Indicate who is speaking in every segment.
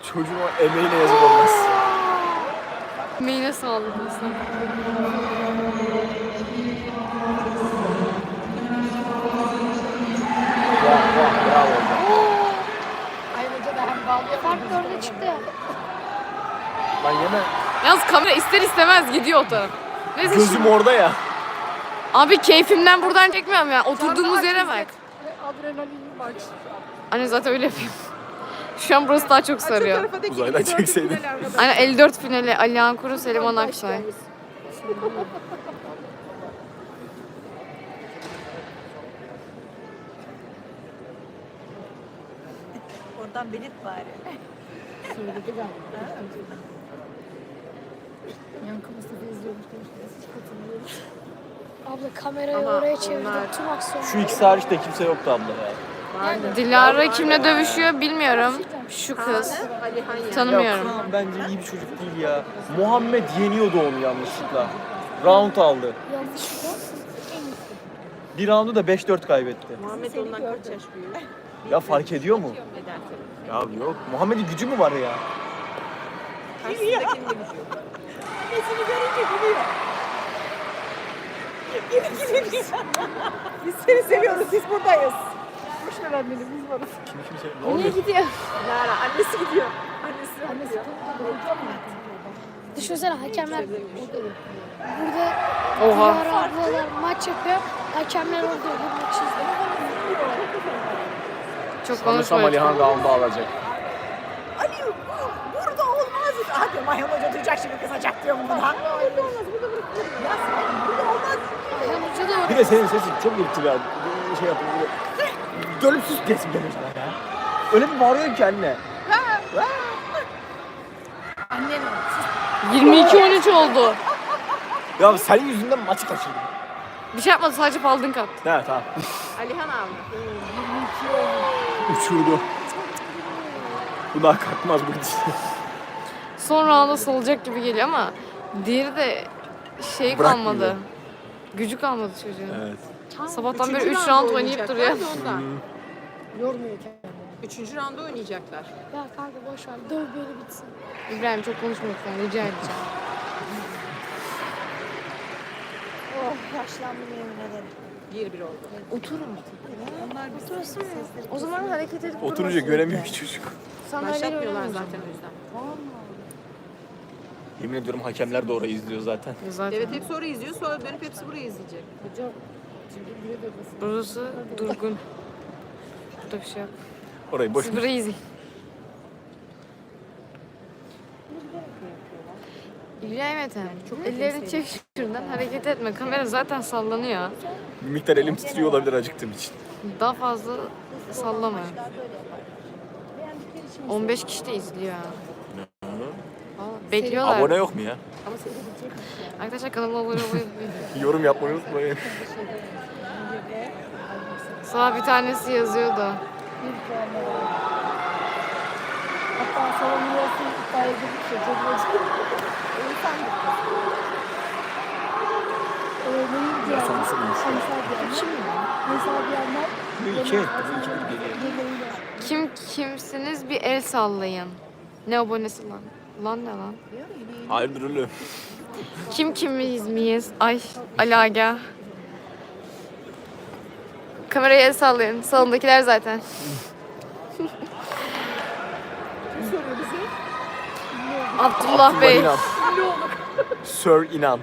Speaker 1: Çocuğun o emeğine yazık olmaz.
Speaker 2: Emeğine sağlık aslında.
Speaker 1: Bravo hocam.
Speaker 3: Ay hoca da hem bağlıyor. Fark 4'e çıktı ya.
Speaker 1: Lan yeme.
Speaker 2: Yalnız kamera ister istemez gidiyor o taraf. Neyse
Speaker 1: Gözüm orada ya.
Speaker 2: Abi keyfimden buradan çekmiyorum ya. Oturduğumuz yere bak.
Speaker 3: Adrenalin maç.
Speaker 2: Anne zaten öyle yapayım. Şu an burası daha çok sarıyor.
Speaker 1: Uzaydan çekseydin.
Speaker 2: Aynen 54 finali Alihan Kuru, Seliman Aksoy.
Speaker 4: Oradan belirt bari.
Speaker 3: Söyledi galiba. Yankı Mustafa izliyormuş demişler. Hiç katılmıyoruz. Abla kamerayı
Speaker 2: Ama
Speaker 3: oraya çevirdim.
Speaker 2: onlar-
Speaker 3: Tüm aksiyon.
Speaker 1: Şu ikisi hariç de kimse yoktu abla ya.
Speaker 2: Dilara kimle dövüşüyor bilmiyorum. Şu kız. Tanımıyorum.
Speaker 1: Ya Kaan bence iyi bir çocuk değil ya. Muhammed yeniyordu onu yanlışlıkla. Round aldı.
Speaker 3: Yanlışlıkla en iyisi.
Speaker 1: Bir roundu da 5-4 kaybetti.
Speaker 4: Muhammed ondan kaç yaş büyük?
Speaker 1: Ya fark ediyor mu?
Speaker 4: Eder tabii.
Speaker 1: Ya yok. Muhammed'in gücü mü var ya?
Speaker 4: Karşısındakinin de gücü yok. Nesini görünce gülüyor. Yine gülüyor. Biz seni seviyoruz, biz buradayız. Boş ver anneni, biz varız.
Speaker 1: Ne
Speaker 3: Niye
Speaker 1: oluyor?
Speaker 3: gidiyor?
Speaker 4: Lara, annesi gidiyor. Annesi gidiyor.
Speaker 3: Düşünsene hakemler burada
Speaker 2: Oha.
Speaker 3: Dilara ablalar maç yapıyor. Hakemler orada bu maçı izliyor.
Speaker 2: Çok
Speaker 1: Sanırsam
Speaker 2: konuşma
Speaker 1: Alihan
Speaker 2: lütfen.
Speaker 1: roundu alacak.
Speaker 4: Ali bu burada olmaz. Ah diyor, Mayhan Hoca duyacak şimdi kızacak diyorum buna. Burada olmaz, burada bırakılır. Ya sen burada olmaz.
Speaker 3: Ayhan Hoca da
Speaker 1: Bir de senin sesin çok irkili ya. Bir şey yapın. Dönüp sus desin geliyor sana ya. Öyle bir bağırıyor ki anne.
Speaker 3: annen
Speaker 2: 22-13 oldu.
Speaker 1: Ya senin yüzünden maçı kaçırdım.
Speaker 2: Bir şey yapmadı, sadece paldın kat.
Speaker 1: Evet tamam.
Speaker 4: Alihan abi.
Speaker 1: Uçurdu. Bu daha kalkmaz bu gidişle.
Speaker 2: Son rounda salacak gibi geliyor ama diğeri de şey
Speaker 1: Bırakmıyor.
Speaker 2: kalmadı. Gücü kalmadı çocuğun.
Speaker 1: Evet.
Speaker 2: Sabahtan beri 3 round oynayıp duruyor.
Speaker 4: Ondan.
Speaker 3: yormuyor kendini.
Speaker 4: Üçüncü rounda oynayacaklar.
Speaker 3: Ya kanka boş ver. Döv böyle bitsin.
Speaker 2: İbrahim çok konuşma lütfen, rica edeceğim.
Speaker 3: Oh yaşlandım yemin ederim.
Speaker 4: 1-1 oldu.
Speaker 2: Oturun.
Speaker 4: Onlar bir
Speaker 3: Oturasın mı?
Speaker 2: O zaman hareket edip
Speaker 1: Oturunca göremiyor ki çocuk.
Speaker 4: başlatmıyorlar zaten o yüzden.
Speaker 1: Yemin ediyorum hakemler de orayı izliyor zaten.
Speaker 2: Zaten.
Speaker 4: Evet hepsi orayı izliyor, sonra dönüp hepsi burayı izleyecek.
Speaker 2: Burası durgun. Burada bir şey yok.
Speaker 1: Orayı boş
Speaker 2: Siz burayı izleyin. İbrahim Ethem, ellerini çek şuradan, hareket etme. Kamera zaten sallanıyor.
Speaker 1: Bir miktar elim titriyor olabilir acıktığım için.
Speaker 2: Daha fazla sallama. 15 kişi de izliyor. Bekliyorlar.
Speaker 1: Abone yok mu ya?
Speaker 2: Arkadaşlar kanalıma abone olmayı unutmayın.
Speaker 1: Yorum yapmayı unutmayın.
Speaker 2: Sabah bir tanesi yazıyordu.
Speaker 3: Hatta savunuyorsun iddia edilmiş ya. Çok geçti. Neyi diyor?
Speaker 1: Sonrası bulmuş.
Speaker 3: Kim ya? Mesela diyenler
Speaker 1: Bu iki. Bu iki bir geliyor.
Speaker 3: birbiriyle.
Speaker 2: Kim kimsiniz bir el sallayın. Ne abonesi lan? Lan ne lan?
Speaker 1: Hayırdır oğlum?
Speaker 2: Kim kimiz miyiz? Ay Ali Aga. Kameraya el sallayın. Salondakiler zaten. Abdullah Bey.
Speaker 1: İnan. Sir İnan.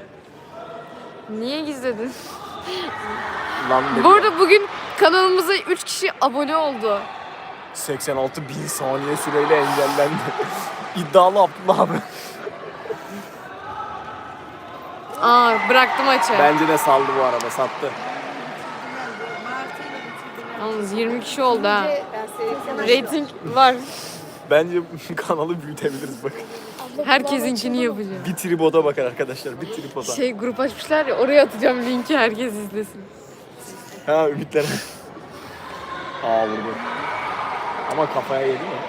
Speaker 2: Niye gizledin?
Speaker 1: Lan dedi.
Speaker 2: Bu arada bugün kanalımıza 3 kişi abone oldu.
Speaker 1: 86 bin saniye süreyle engellendi. İddialı Abdullah abi.
Speaker 2: Aa bıraktı maçı.
Speaker 1: Bence de saldı bu arada, sattı.
Speaker 2: Yalnız 20 kişi oldu ha.
Speaker 4: Ben seni
Speaker 2: Rating var.
Speaker 1: Bence kanalı büyütebiliriz bak.
Speaker 2: Herkesinkini yapacağım.
Speaker 1: Bir tripoda bakar arkadaşlar, bir tripoda.
Speaker 2: Şey grup açmışlar ya, oraya atacağım linki, herkes izlesin.
Speaker 1: Ha ümitler. Aa vurdu. Ama kafaya yedi mi?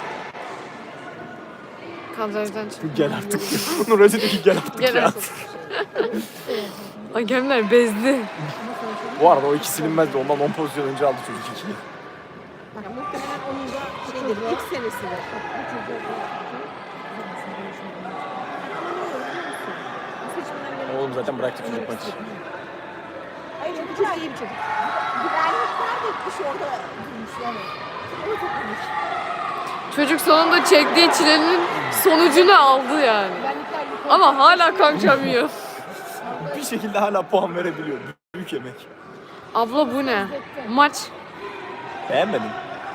Speaker 2: Kadrajdan çık.
Speaker 1: Gel artık. Nuracı dedi ki gel artık
Speaker 2: Gel
Speaker 1: ya.
Speaker 2: artık. Hakemler bezdi.
Speaker 1: Bu arada o iki silinmezdi. Ondan 10 pozisyon önce aldı çocuk ikiyi.
Speaker 4: muhtemelen onun da şey olabilir. İlk senesi de.
Speaker 1: Oğlum zaten bıraktı çocuk maçı.
Speaker 4: Hayır o çok iyi bir çocuk. Güvenlikler de gitmiş orada durmuş yani. O çok iyiymiş.
Speaker 2: Çocuk sonunda çektiği çilenin sonucunu aldı yani. Ama hala kaçamıyor.
Speaker 1: Bir şekilde hala puan verebiliyor. Büyük emek.
Speaker 2: Abla bu ne? Maç.
Speaker 1: Beğenmedim.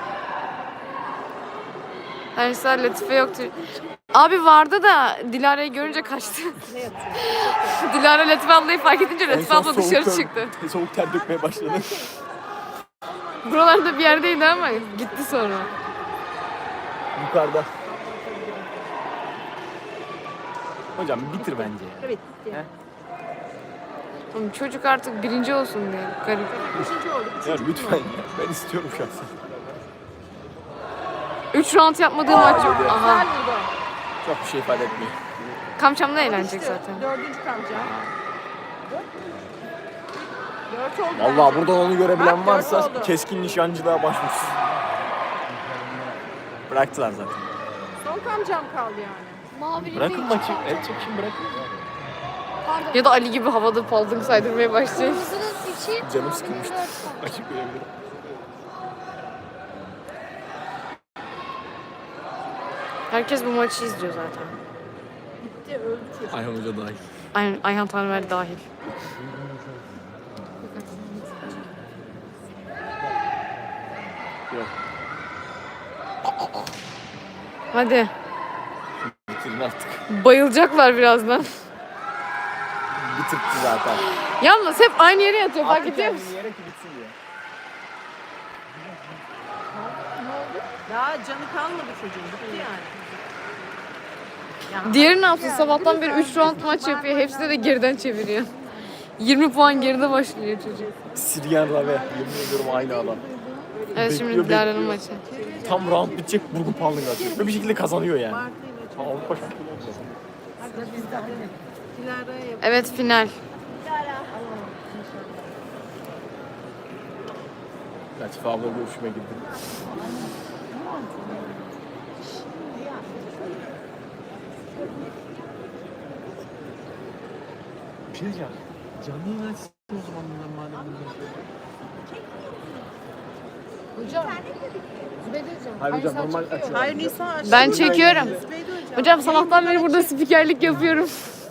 Speaker 2: Hani Latife yoktu. Abi vardı da Dilara'yı görünce kaçtı. Dilara Latife ablayı fark edince Latife
Speaker 1: En son
Speaker 2: abla dışarı
Speaker 1: soğuk
Speaker 2: çıktı.
Speaker 1: Soğuk ter dökmeye başladı.
Speaker 2: Buralarda bir yerdeydi ama gitti sonra.
Speaker 1: Yukarıda. Hocam bitir bence.
Speaker 4: Evet.
Speaker 2: Oğlum çocuk artık birinci olsun diye. Garip.
Speaker 4: Üçüncü oldu.
Speaker 1: Ya lütfen ya. Ben istiyorum şahsen.
Speaker 2: 3 round yapmadığı maç yok.
Speaker 1: yedi.
Speaker 2: Aha.
Speaker 4: Güzel vurdu.
Speaker 1: Çok bir şey ifade etmiyor.
Speaker 2: Kamçamda eğlenecek
Speaker 4: İşte
Speaker 2: zaten.
Speaker 4: Dördüncü kamca. Dört oldu.
Speaker 1: Vallahi
Speaker 4: bence.
Speaker 1: buradan onu görebilen
Speaker 4: Bak,
Speaker 1: varsa
Speaker 4: dört oldu.
Speaker 1: keskin nişancılığa başvursun. Bıraktılar zaten.
Speaker 4: Son kamcam kaldı yani.
Speaker 3: Mavili
Speaker 1: Bırakın
Speaker 3: bir
Speaker 1: maçı.
Speaker 3: çıkartacağım.
Speaker 1: El çekişin bırakın.
Speaker 3: Pardon.
Speaker 2: Ya da Ali gibi havada paldır saydırmaya başlayacak.
Speaker 3: Kırmızının içi.
Speaker 1: Canım
Speaker 3: mavinin
Speaker 1: sıkılmıştı.
Speaker 3: dört tane.
Speaker 1: Açık verebilirim.
Speaker 2: Herkes bu maçı izliyor zaten.
Speaker 4: Bitti öldü çocuk.
Speaker 1: Ayhan Hoca dahil.
Speaker 2: Ayhan Tanrıver dahil.
Speaker 1: Yok.
Speaker 2: Hadi.
Speaker 1: Bitirin artık.
Speaker 2: Bayılacaklar birazdan.
Speaker 1: Bitirtti zaten.
Speaker 2: Yalnız hep aynı yere yatıyor fark ediyor musun?
Speaker 1: Yere ki bitsin diye.
Speaker 4: Daha canı kalmadı çocuğun. Bitti yani.
Speaker 2: Diğeri ne yapsın? Sabahtan beri 3 round maç yapıyor. Hepsini de geriden çeviriyor. 20 puan geride başlıyor çocuk.
Speaker 1: Sirgen Rave. Yemin ediyorum aynı adam.
Speaker 2: Evet şimdi
Speaker 1: Bekliyor,
Speaker 2: Dilara'nın
Speaker 1: bekliyor.
Speaker 2: maçı.
Speaker 1: Tam round bitecek burgu puanlığı atıyor. Ve bir şekilde kazanıyor yani. Avrupa şampiyonu oldu.
Speaker 4: Dilara'ya yap.
Speaker 2: Evet final.
Speaker 1: Latife abla görüşüme girdi. Bir şey diyeceğim. Canlı yayın açsın o zaman bunlar madem bunlar.
Speaker 3: Hocam. Zübeyde hocam.
Speaker 1: Hayır hocam normal açıyor.
Speaker 4: Hayır Nisa açtı.
Speaker 2: Ben çekiyorum.
Speaker 4: Zübeyde hocam.
Speaker 2: Hocam sabahtan beri burada spikerlik yapıyorum.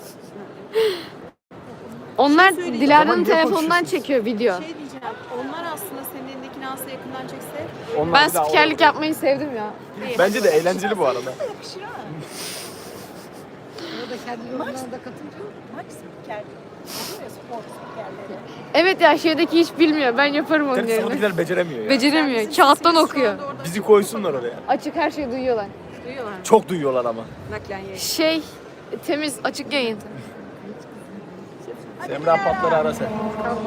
Speaker 2: Onlar
Speaker 4: söyleyeceğim.
Speaker 2: Dilara'nın
Speaker 1: Ama niye
Speaker 2: telefonundan
Speaker 1: konuşuyorsunuz?
Speaker 2: çekiyor video.
Speaker 4: Şey diyeceğim. Onlar aslında senin elindekini alsa yakından çekse.
Speaker 1: Onlar
Speaker 2: Ben
Speaker 1: bir daha
Speaker 2: spikerlik
Speaker 1: oraya-
Speaker 2: yapmayı sevdim ya.
Speaker 1: Bence de eğlenceli bu arada.
Speaker 4: Yakışır ha.
Speaker 3: Orada kendi yorumlarına da katılıyor.
Speaker 4: Maç spikerlik. Oluyor ya spor spikerleri.
Speaker 2: Evet ya şeydeki hiç bilmiyor. Ben yaparım onun
Speaker 1: Tabii
Speaker 2: yerine.
Speaker 1: sahadakiler beceremiyor ya.
Speaker 2: Beceremiyor.
Speaker 4: Bizim
Speaker 2: Kağıttan
Speaker 4: sesimiz şu
Speaker 2: okuyor.
Speaker 4: anda orada
Speaker 1: Bizi koysunlar oraya.
Speaker 2: Açık her şeyi duyuyorlar.
Speaker 4: duyuyorlar.
Speaker 1: Çok duyuyorlar ama.
Speaker 4: Naklen yayın.
Speaker 2: Şey temiz açık yayın.
Speaker 1: Semra Patlar'ı ara sen.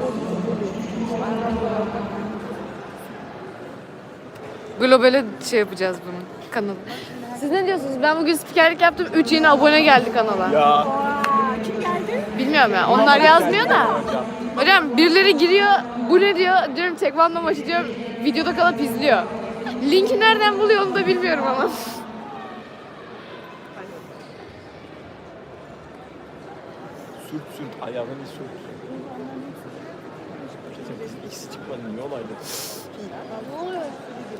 Speaker 2: Globale şey yapacağız bunu kanalı. Siz ne diyorsunuz? Ben bugün spikerlik yaptım. 3 yeni abone geldi kanala.
Speaker 1: Ya.
Speaker 4: Aa, kim geldi?
Speaker 2: Bilmiyorum ya. Onlar yazmıyor da. Hocam birileri giriyor. Bu ne diyor? Diyorum tekvando maçı diyorum. Videoda kalıp izliyor. Linki nereden buluyor onu da bilmiyorum ama.
Speaker 1: Sürt ayağını sürt. İkisi çıkmadı niye olaydı?
Speaker 3: Ne oluyor?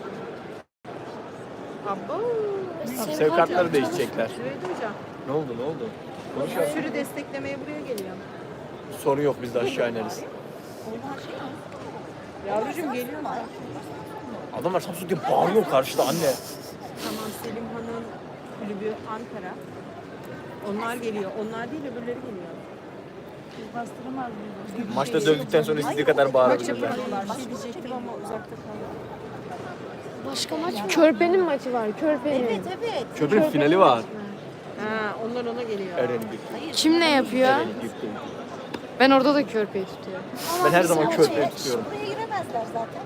Speaker 4: Abo.
Speaker 1: Sevkatları değişecekler.
Speaker 4: Zübeyde hocam.
Speaker 1: Ne oldu? Konuşalım.
Speaker 4: Sürü desteklemeye buraya geliyor.
Speaker 1: Sorun yok biz de aşağı ineriz.
Speaker 4: Yavrucuğum geliyor mu?
Speaker 1: Adamlar Samsun diye bağırıyor karşıda anne.
Speaker 4: Tamam Selim Han'ın kulübü Ankara. Onlar geliyor. Onlar değil öbürleri geliyor.
Speaker 1: Maçta dövdükten sonra istediği kadar bağırabilirler.
Speaker 4: Bir şey diyecektim ama uzakta kaldım.
Speaker 3: Başka maç mı?
Speaker 2: Körpe'nin maçı var. Körpe'nin.
Speaker 1: Köprünün finali var.
Speaker 4: Ha, onlar ona geliyor.
Speaker 1: Eren'in.
Speaker 2: Kim ne yapıyor? Ben orada da Körpe'yi tutuyorum.
Speaker 1: Ben her zaman köprüyü tutuyorum.
Speaker 4: Buraya giremezler zaten.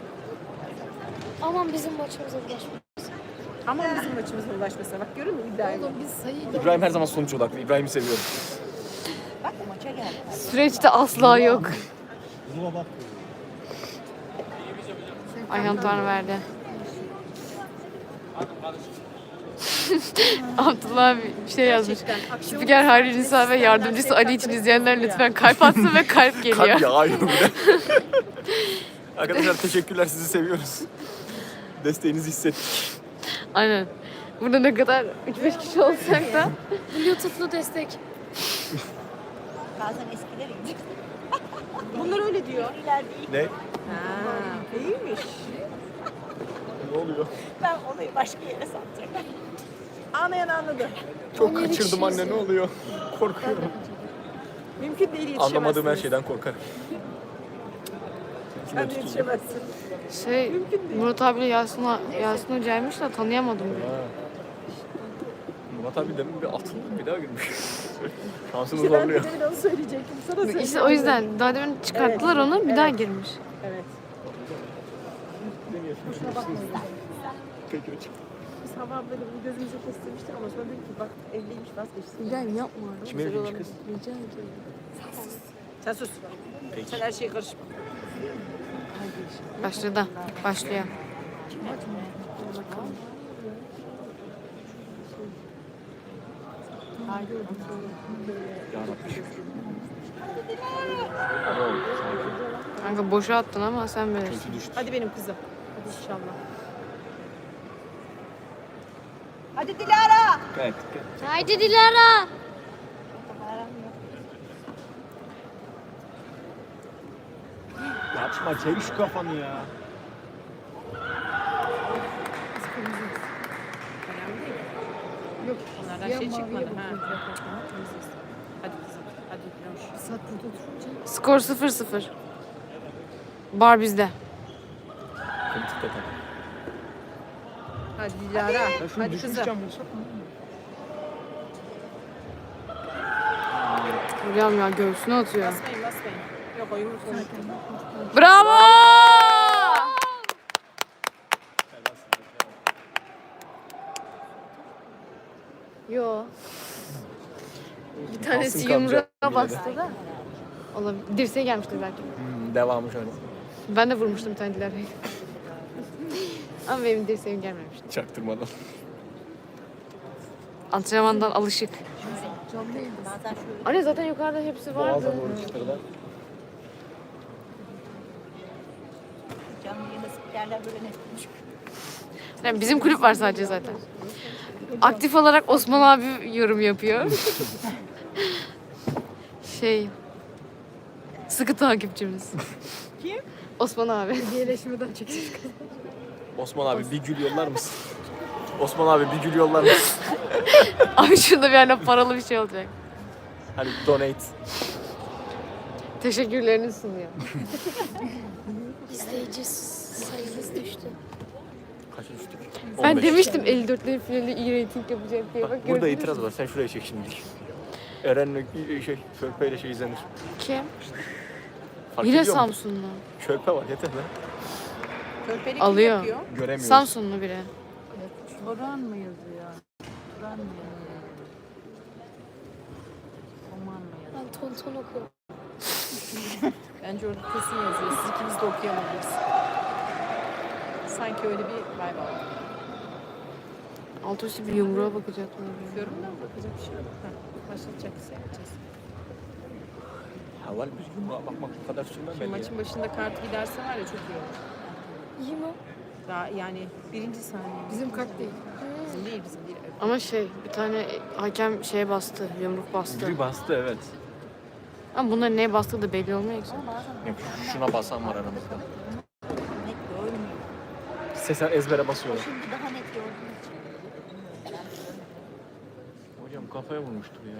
Speaker 3: Aman bizim maçımıza ulaşma.
Speaker 4: Ama bizim maçımıza ulaşmasa. Bak görün mü iddiayı?
Speaker 3: Oğlum biz sayı
Speaker 1: İbrahim her zaman sonuç odaklı. İbrahim'i seviyorum.
Speaker 4: Bak o maça geldi.
Speaker 2: Süreçte asla yok. Ayhan Tanrıverdi. Abdullah abi bir şey yazmış.
Speaker 4: Gerçekten aksiyon
Speaker 2: Spiker Hayri Nisa ve yardımcısı Ali için izleyenler lütfen kalp atsın ve kalp geliyor.
Speaker 1: Kalp yağıyor bir de. Arkadaşlar teşekkürler, sizi seviyoruz. Desteğinizi hissettik.
Speaker 2: Aynen. Burada ne kadar 3-5 kişi olsak da
Speaker 3: Bluetooth'lu destek.
Speaker 4: Bazen eskiler iyi.
Speaker 5: Bunlar öyle diyor.
Speaker 4: İyiler değil.
Speaker 1: Ne?
Speaker 5: Ha, iyiymiş.
Speaker 1: Ne oluyor?
Speaker 4: Ben olayı başka yere sattım.
Speaker 5: Anlayan anladı.
Speaker 1: Çok kaçırdım anne, ne oluyor? Korkuyorum.
Speaker 5: Mümkün değil yetişemezsiniz.
Speaker 1: Anlamadığım her şeyden korkarım.
Speaker 5: Sen de yetişemezsin.
Speaker 2: şey Murat abiyle Yasin Hoca'ymış da tanıyamadım ben.
Speaker 1: Ha. Murat abi demin bir atıldı, bir daha girmiş. Şansını
Speaker 5: Ben
Speaker 1: zorluyor.
Speaker 5: de demin onu söyleyecektim. Sana söyleyeyim.
Speaker 2: İşte o yüzden daha demin çıkarttılar onu bir daha girmiş.
Speaker 5: Evet.
Speaker 1: Peki hocam.
Speaker 5: Biz hava ablayla bunu gözümüze kestirmiştik ama sonra dedik ki bak evliymiş vazgeçsin.
Speaker 2: İbrahim yapma.
Speaker 1: Kim evliymiş kız?
Speaker 2: Rica ediyorum.
Speaker 5: Sen sus.
Speaker 1: Peki.
Speaker 5: Sen her şeye karışma.
Speaker 2: Başladı. Başlıyor.
Speaker 1: Yarabbim şükür.
Speaker 2: Kanka boşa attın ama sen bilirsin.
Speaker 1: Kötü düştü.
Speaker 5: Hadi benim kızım. Hadi inşallah.
Speaker 4: Hadi Dilara.
Speaker 1: Gayet.
Speaker 3: Haydi Dilara.
Speaker 1: Yapma, çevir şu kafanı ya.
Speaker 5: Önemli değil. Yok. Onlardan şey çıkmadı. Ha. Temiziz. Hadi kızım. Hadi. Loş.
Speaker 2: Skor 0-0. Bar bizde.
Speaker 1: Kritik de tabii.
Speaker 5: Hadi Dilara. Hadi kızım.
Speaker 2: Hocam ya göğsüne atıyor.
Speaker 5: Basmayın basmayın. Yok o yumruk olmadı.
Speaker 2: Bravo! Yo. Bir tanesi
Speaker 1: Kalsın
Speaker 2: yumruğa
Speaker 1: kamca,
Speaker 2: bastı da. Olabilir. Dirseğe gelmiştir belki.
Speaker 1: Devamı şöyle.
Speaker 2: Ben de vurmuştum bir tane Dilara'yı. Ama benim dirseğim gelmemişti.
Speaker 1: Çaktırmadan.
Speaker 2: Antrenmandan alışık.
Speaker 4: Bazen şöyle
Speaker 2: Anne zaten yukarıda hepsi vardı.
Speaker 1: Boğaza doğru çıtırlar.
Speaker 4: canlı yayında spikerler böyle net konuşuyor.
Speaker 2: Yani bizim kulüp var sadece zaten. Aktif olarak Osman abi yorum yapıyor. Sıkı takipçimiz.
Speaker 5: Kim?
Speaker 2: Osman abi.
Speaker 3: Hediyeleşmeden çekeceğiz.
Speaker 1: Osman abi bir gül yollar mısın? Osman abi bir gül yollar mısın?
Speaker 2: Abi şurada bir yerden paralı bir şey olacak.
Speaker 1: Hani donate.
Speaker 2: Teşekkürlerini sunuyor.
Speaker 3: İzleyici sayımız düştü.
Speaker 1: Kaça düştük?
Speaker 2: Ben
Speaker 1: 15.
Speaker 2: demiştim 54'lerin finali iyi reyting yapacak diye. Bak,
Speaker 1: Bak, burada
Speaker 2: gördünüz
Speaker 1: itiraz
Speaker 2: mü?
Speaker 1: var. Sen şuraya çek şimdi. Eren'le Körpe ile şey izlenir.
Speaker 2: Kim?
Speaker 1: Fark
Speaker 2: Yine
Speaker 1: ediyor musun?
Speaker 2: Samsunlu.
Speaker 1: Körpe var, yeter lan.
Speaker 5: Körpeli kim
Speaker 2: Alıyor.
Speaker 5: yapıyor?
Speaker 1: Göremiyoruz.
Speaker 2: Samsunlu biri.
Speaker 5: Turan mı yazıyor? Turan mı yazıyor? Oman mı yazıyor?
Speaker 3: Ben tonton okuyorum.
Speaker 5: Bence orada kesin yazıyor. Siz ikiniz de okuyamadınız. Sanki öyle bir vibe aldım.
Speaker 2: Alt üstü bir yumruğa bakacaklar.
Speaker 5: Bakıyorum da bakacak bir şey yok. Başlatacaksa yapacağız.
Speaker 1: Haval bir yumruğa bakmak bu kadar sürmemeli
Speaker 5: Şimdi
Speaker 1: ya.
Speaker 5: maçın başında kart giderse var ya çok iyi olur.
Speaker 3: İyi mi?
Speaker 5: Daha yani birinci saniye.
Speaker 3: Bizim kart değil.
Speaker 5: Bizim değil bizim değil. Evet.
Speaker 2: Ama bir tane hakem şeye bastı, yumruk bastı.
Speaker 1: Biri bastı, evet.
Speaker 2: Ama bunların neye bastığı da belli olmuyor ki.
Speaker 1: Yok, şuna basan var aramızda.
Speaker 4: Net görmüyor.
Speaker 1: Sesen ezbere basıyor.
Speaker 4: Şimdi daha net gördüğüm için.
Speaker 1: Hocam kafaya vurmuştur ya.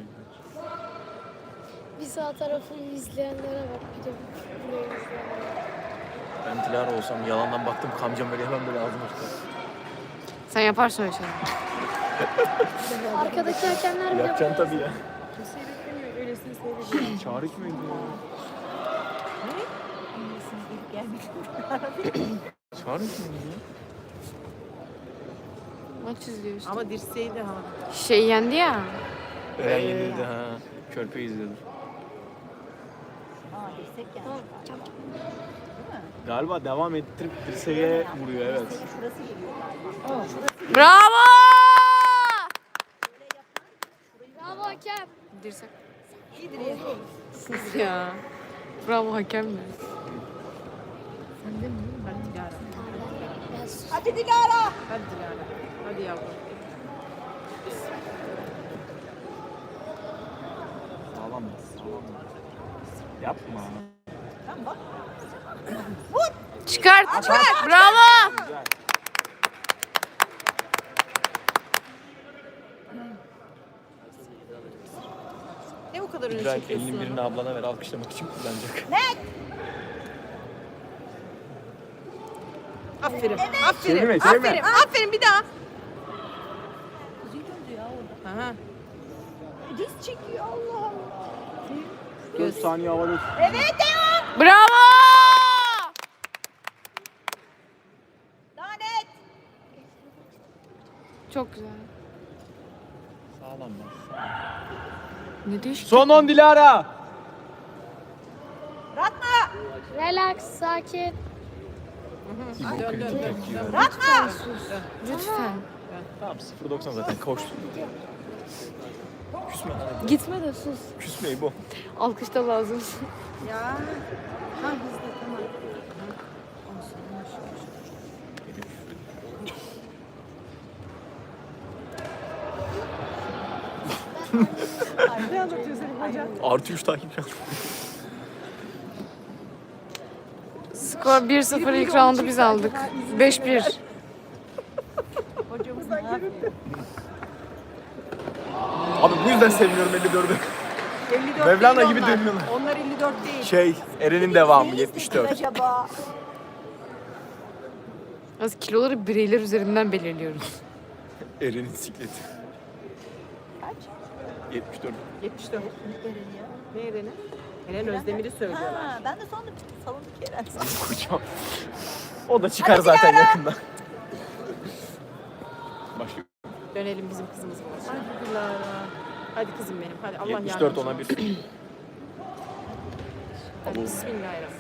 Speaker 3: Bir sağ tarafını izleyenlere bak. Bir de burayı izleyenlere bak.
Speaker 1: Ben Dilara olsam yalandan baktım kamcam böyle hemen böyle ağzıma tutar.
Speaker 2: Sen yaparsın öyle şey.
Speaker 3: Arkadaki hakemler bile
Speaker 1: Yapacaksın tabii ya.
Speaker 5: Kimse beklemiyor. Öylesine seyrediyor.
Speaker 1: Çağrı mıydı ya?
Speaker 4: Annesini gelip gelmiş.
Speaker 1: Çağrı mıydı ya?
Speaker 2: Maç izliyor işte.
Speaker 5: Ama dirseği de havada.
Speaker 2: Yendi ya.
Speaker 1: Eren yenildi ha. Körpe izledi.
Speaker 4: Aa dirsek yani.
Speaker 1: Galiba devam ettirip dirseğe vuruyor, evet.
Speaker 4: Dirseğin şurası geliyor galiba.
Speaker 2: Bravo! Dirsek.
Speaker 4: İdris.
Speaker 2: Sus ya. Bravo hakemler.
Speaker 3: Sen de mi?
Speaker 5: Hadi Dilara.
Speaker 3: Ben sus.
Speaker 4: Hadi Dilara.
Speaker 5: Hadi Dilara. Hadi yavrum.
Speaker 1: Sağlam bas. Sağlam bas. Yapma.
Speaker 4: Tamam bak.
Speaker 2: Çıkart. Bravo.
Speaker 1: Güzel.
Speaker 5: Ne bu kadar öne
Speaker 1: İbrahim
Speaker 5: çekiyorsun
Speaker 1: elinin
Speaker 5: onu?
Speaker 1: birini ablana ver, alkışlamak için kullanacak.
Speaker 5: Aferin.
Speaker 1: Çevirme,
Speaker 5: Aferin.
Speaker 1: çevirme.
Speaker 5: Aferin. Aferin bir daha. Aha.
Speaker 4: Diz çekiyor Allah.
Speaker 1: 4 saniye havada.
Speaker 4: Evet devam.
Speaker 2: Bravo.
Speaker 4: Daha net.
Speaker 2: Çok güzel.
Speaker 1: Sağlam bas.
Speaker 2: Ne değişik.
Speaker 1: Son 10 Dilara.
Speaker 4: Bırakma.
Speaker 3: Relax, sakin.
Speaker 5: Dön dön dön.
Speaker 4: Bırakma.
Speaker 2: Lütfen.
Speaker 1: Tamam 0.90 zaten koştu. Küsme hadi.
Speaker 2: Gitme de sus.
Speaker 1: Küsmeyi bu.
Speaker 2: Alkış da lazım.
Speaker 5: Ya. Ha hızlı tamam.
Speaker 4: Ne anlatıyorsun hocam?
Speaker 1: Artı 3 takipçi aldım.
Speaker 2: Skor 1-0 ilk roundu biz aldık. 5-1.
Speaker 4: Hocamız ne yapıyor?
Speaker 1: Abi bu yüzden sevmiyorum 54'ü.
Speaker 5: 54
Speaker 1: Mevlana
Speaker 5: değil
Speaker 1: gibi
Speaker 5: onlar.
Speaker 1: dönüyorlar.
Speaker 5: Onlar 54 değil.
Speaker 1: Şey, Eren'in devamı
Speaker 4: Neyi
Speaker 1: 74.
Speaker 4: istedin acaba?
Speaker 2: Az kiloları bireyler üzerinden belirliyoruz.
Speaker 1: Eren'in sikleti.
Speaker 4: Kaç?
Speaker 1: 74.
Speaker 5: 74. Ne Eren'i? Eren Özdemir'i söylüyorlar.
Speaker 4: Ha, ben de sandım salonuk Eren.
Speaker 1: Kocaman. O da çıkar zaten yakında. Başka
Speaker 5: Dönelim bizim kızımız var. Hadi Dilara. Hadi kızım benim. Hadi Allah
Speaker 1: 74 ona
Speaker 5: yardımcın
Speaker 1: bir.
Speaker 5: olsun. Hadi bismillahirrahmanirrahim.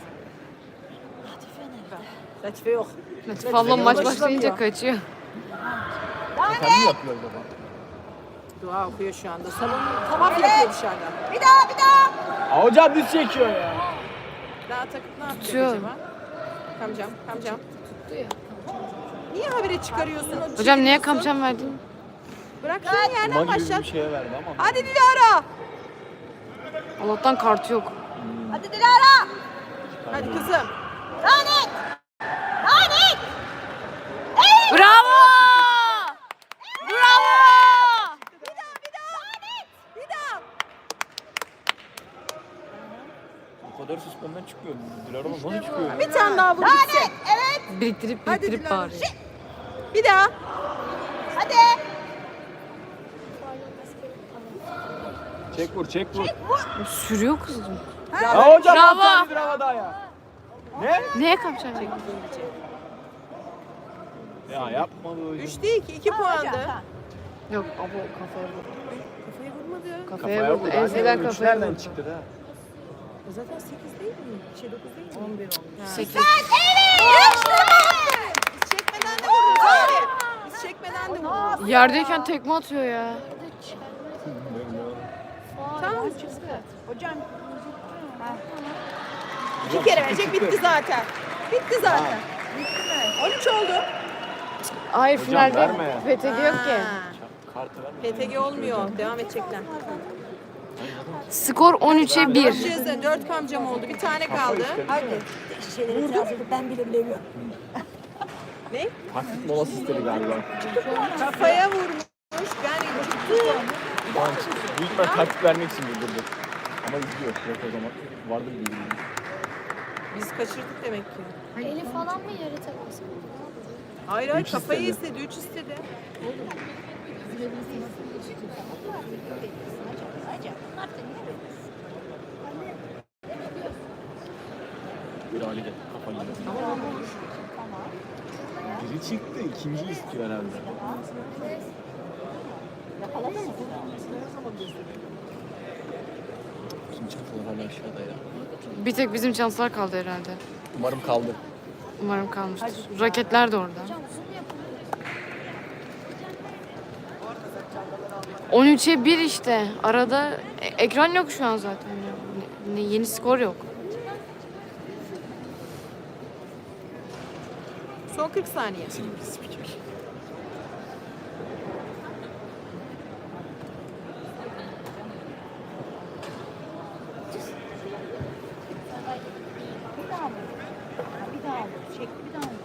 Speaker 5: Latife yok.
Speaker 2: Latif ablam maç başlayınca kaçıyor.
Speaker 1: Kendi yapıyor baba.
Speaker 5: Dua okuyor şu anda. Salon tavaf yapıyor dışarıda.
Speaker 4: Bir daha bir daha.
Speaker 1: Aa, hocam düz çekiyor ya.
Speaker 5: Daha takıp ne yapacak
Speaker 2: Tutuyor.
Speaker 5: acaba? Kamcam, kamcam.
Speaker 3: Tuttu ya.
Speaker 5: Niye habire çıkarıyorsun? O
Speaker 2: Hocam niye
Speaker 5: çeviriyorsun?
Speaker 2: kamçam verdin?
Speaker 5: Bırak şunu yerden
Speaker 1: Kuma gibi
Speaker 5: başlat.
Speaker 1: bir şeye verdi ama.
Speaker 5: Hadi Dilara.
Speaker 2: Allah'tan kartı yok.
Speaker 4: Hadi Dilara.
Speaker 5: Hadi kızım.
Speaker 4: Daha net. Daha net.
Speaker 2: Bravo! Bravo!
Speaker 5: Bir daha, bir daha. Bir daha.
Speaker 1: O kadar susmandan çıkmıyor. Dilara nasıl çıkıyor?
Speaker 5: Bir tane daha vur gitsin.
Speaker 2: Biriktirip
Speaker 5: Hadi
Speaker 2: biriktirip
Speaker 5: Dilara.
Speaker 2: bağırıyor.
Speaker 5: Bir daha.
Speaker 4: Hadi.
Speaker 1: Çek vur, çek vur.
Speaker 2: Sürüyor kızım.
Speaker 1: Ya hocam
Speaker 2: Bravo.
Speaker 1: bravo. Bravo daha ya. Ne?
Speaker 2: Neye kamçam verdin?
Speaker 1: Ya yapma bu hocam.
Speaker 5: 3 değil ki 2 puandı.
Speaker 2: Yok abo kafaya vurdu.
Speaker 5: Kafayı vurmadı.
Speaker 2: Kafaya vurdu.
Speaker 1: vurdu.
Speaker 2: Enseden
Speaker 1: Üç
Speaker 2: kafaya
Speaker 1: nereden
Speaker 2: vurdu.
Speaker 1: çıktı da?
Speaker 5: Zaten 8 değil mi? 9 değil mi? 11 olmuş.
Speaker 2: 8.
Speaker 5: Biz çekmeden de vururuz abi. Biz çekmeden de vururuz.
Speaker 2: Yerdeyken tekme atıyor ya.
Speaker 5: Tamam.
Speaker 4: Hocam.
Speaker 5: İki kere verecek bitti zaten. Bitti zaten.
Speaker 4: Bitti mi?
Speaker 5: 13 oldu.
Speaker 2: Hayır
Speaker 1: Hocam
Speaker 2: finalde
Speaker 1: verme.
Speaker 2: PTG yok ki.
Speaker 5: Ha,
Speaker 1: Kartı verme.
Speaker 5: PTG olmuyor. Devam edecekler.
Speaker 2: Skor 13'e 1.
Speaker 5: 4 ceza, 4 kamcam oldu. Bir tane kaldı.
Speaker 4: Hadi. Şeyleri itiraz edip ben bile bilemiyorum.
Speaker 5: Ne?
Speaker 1: Taktik molası istedi galiba.
Speaker 5: Kafaya vurmuş. Ben çıktım.
Speaker 1: Büyük ihtimal taktik vermek için bildirdi. Ama izliyor. Yok o zaman. Vardır bir bilgi.
Speaker 5: Biz kaçırdık demek ki.
Speaker 3: Eli falan mı yere temas?
Speaker 5: Hayır hayır
Speaker 1: Üç
Speaker 5: kafayı
Speaker 1: istedi.
Speaker 5: istedi. 3 istedi.
Speaker 1: Bir hale gel. Kafa gidiyor. Biri çıktı. İkinci istiyor herhalde. Kim çatılar hala aşağıda ya.
Speaker 2: Bir tek bizim şanslar kaldı herhalde.
Speaker 1: Umarım kaldı.
Speaker 2: Umarım kalmıştır. Raketler de orada. 13'e 1 işte. Arada ekran yok şu an zaten. Yeni skor yok.
Speaker 5: Son 40 saniye.
Speaker 1: Silivri spiker.
Speaker 4: Bir daha mı? Bir daha mı? Çekti bir daha mı?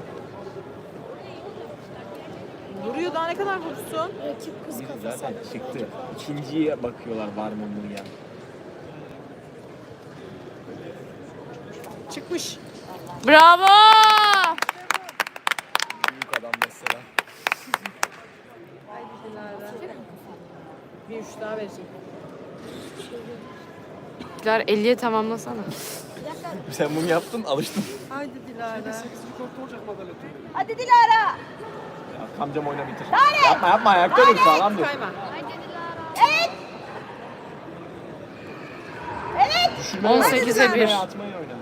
Speaker 5: Vuruyor daha ne kadar vursun?
Speaker 3: Rakip kız kafası.
Speaker 1: Zaten çıktı. İkinciye bakıyorlar var mı bunu ya.
Speaker 5: Çıkmış.
Speaker 2: Bravo!
Speaker 1: Büyük adam mesela.
Speaker 5: Haydi Dilara. Bir 3 daha verecek.
Speaker 2: Dilara 50'ye tamamlasana.
Speaker 1: Sen bunu yaptın alıştın.
Speaker 5: Haydi Dilara.
Speaker 4: Hadi Dilara.
Speaker 1: Ya, amcam oyna bitir. Yapma ayakta dur sağlam dur.
Speaker 5: Kayma.
Speaker 1: Düşürme
Speaker 2: 18'e 1.
Speaker 1: Atmayı oyna.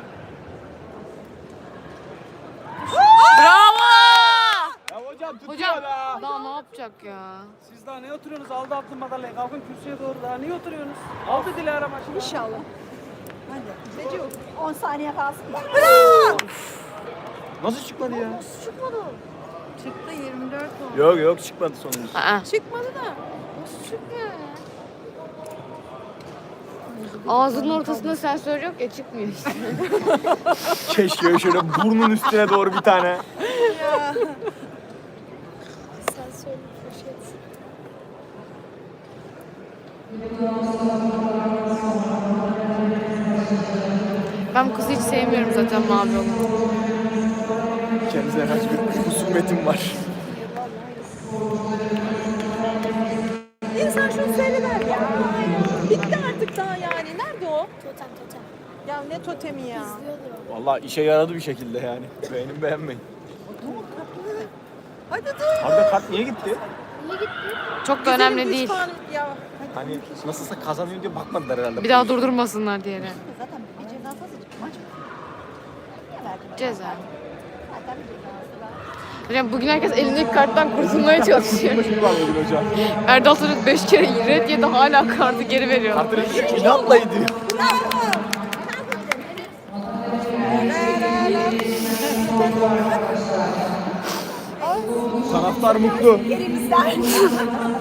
Speaker 2: Bravo!
Speaker 1: Ya hocam tutuyor
Speaker 2: Hocam
Speaker 1: da.
Speaker 2: daha ne yapacak ya?
Speaker 6: Siz daha ne oturuyorsunuz? Aldı attım madalyayı. Kalkın kürsüye doğru daha niye oturuyorsunuz? Aldı Dilara maçı.
Speaker 5: İnşallah.
Speaker 4: Hadi. Recep 10 saniye kalsın da.
Speaker 1: Nasıl çıkmadı ya?
Speaker 3: Çıkmadı.
Speaker 5: Çıktı 24 oldu.
Speaker 1: Yok çıkmadı sonuncusu.
Speaker 2: Aa,
Speaker 5: Çıkmadı da.
Speaker 3: Nasıl çıkmıyor ya?
Speaker 2: ağzının ortasında sensör yok ya çıkmıyor işte.
Speaker 1: Keşke şöyle burnun üstüne doğru bir tane.
Speaker 3: Sen söyle poşet.
Speaker 2: Ben bu kızı hiç sevmiyorum zaten mavi olan.
Speaker 1: Kendisine karşı bir husumetim var.
Speaker 5: İnsan şunu söyleler ya. Bitti artık daha yani. Nerede o?
Speaker 3: Totem totem.
Speaker 5: Ya ne totemi ya.
Speaker 3: İzliyordur o.
Speaker 1: Vallahi işe yaradı bir şekilde yani. Beğenin beğenmeyin.
Speaker 5: Hadi dur.
Speaker 1: Arda kart niye gitti?
Speaker 3: Niye gitti?
Speaker 2: Çok da önemli
Speaker 5: Üç
Speaker 2: değil.
Speaker 5: puan ya.
Speaker 1: Hani nasılsa kazanıyor diye bakmadılar herhalde.
Speaker 2: Bir daha durdurmasınlar diye.
Speaker 4: Zaten bir cezası azıcık maç. Niye verdin?
Speaker 2: Ceza.
Speaker 4: Zaten bir cezası var.
Speaker 2: Hocam bugün herkes elindeki karttan kurtulmaya çalışıyor.
Speaker 1: Şimdi var bugün hocam.
Speaker 2: Erdal Sarı 5 kere red yedi hala kartı geri veriyor.
Speaker 1: Kartı inatla ediyor. Taraftar mutlu.
Speaker 4: Yerimizden.